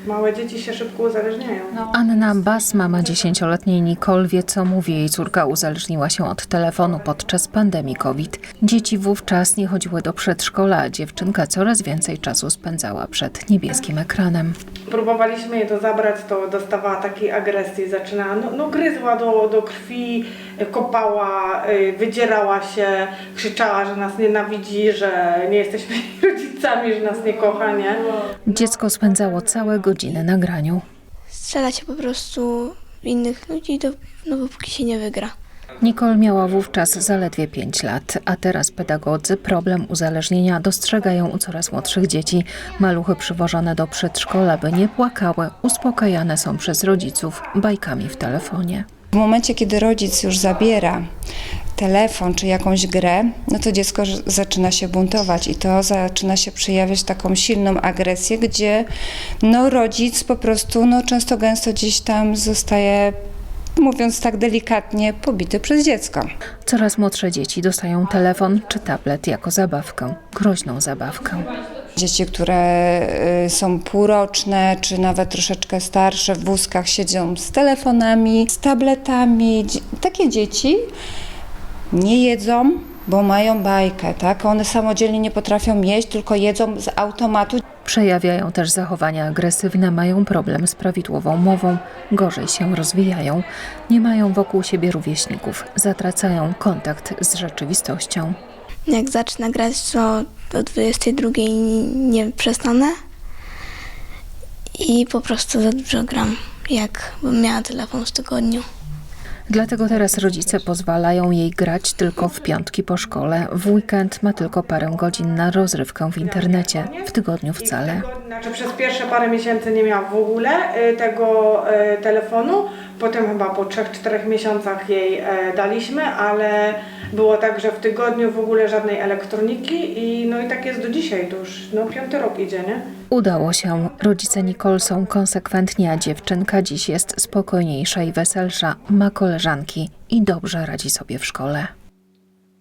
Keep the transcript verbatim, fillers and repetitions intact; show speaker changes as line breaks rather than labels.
Małe dzieci się szybko uzależniają. No.
Anna Bas, mama dziesięcioletniej Nicole, wie, co mówi. Jej córka uzależniła się od telefonu podczas pandemii COVID. Dzieci wówczas nie chodziły do przedszkola, a dziewczynka coraz więcej czasu spędzała przed niebieskim ekranem.
Próbowaliśmy jej to zabrać, to dostawała takiej agresji, zaczynała, no, no gryzła do, do krwi, kopała, wydzierała się, krzyczała, że nas nienawidzi, że nie jesteśmy rodzicami, że nas nie kocha, nie?
Dziecko spędzało całe godziny na graniu.
Strzela się po prostu w innych ludzi, do, no dopóki się nie wygra.
Nicole miała wówczas zaledwie pięć lat, a teraz pedagodzy problem uzależnienia dostrzegają u coraz młodszych dzieci. Maluchy przywożone do przedszkola, by nie płakały, uspokajane są przez rodziców bajkami w telefonie.
W momencie, kiedy rodzic już zabiera telefon czy jakąś grę, no to dziecko zaczyna się buntować i to zaczyna się przejawiać taką silną agresję, gdzie no, rodzic po prostu no, często gęsto gdzieś tam zostaje, mówiąc tak delikatnie, pobity przez dziecko.
Coraz młodsze dzieci dostają telefon czy tablet jako zabawkę, groźną zabawkę.
Dzieci, które są półroczne, czy nawet troszeczkę starsze, w wózkach siedzą z telefonami, z tabletami. Takie dzieci nie jedzą, bo mają bajkę, tak? One samodzielnie nie potrafią jeść, tylko jedzą z automatu.
Przejawiają też zachowania agresywne, mają problem z prawidłową mową, gorzej się rozwijają, nie mają wokół siebie rówieśników, zatracają kontakt z rzeczywistością.
Jak zacznę grać, to do dwudziestej drugiej nie przestanę i po prostu za dużo gram, jakbym miała telefon w tygodniu.
Dlatego teraz rodzice pozwalają jej grać tylko w piątki po szkole. W weekend ma tylko parę godzin na rozrywkę w internecie, w tygodniu wcale.
Znaczy przez pierwsze parę miesięcy nie miała w ogóle tego telefonu, potem chyba po trzech, czterech miesiącach jej daliśmy, ale było tak, że w tygodniu w ogóle żadnej elektroniki i no i tak jest do dzisiaj, to już no, piąty rok idzie, nie?
Udało się. Rodzice Nicole są konsekwentni, a dziewczynka dziś jest spokojniejsza i weselsza, ma koleżanki i dobrze radzi sobie w szkole.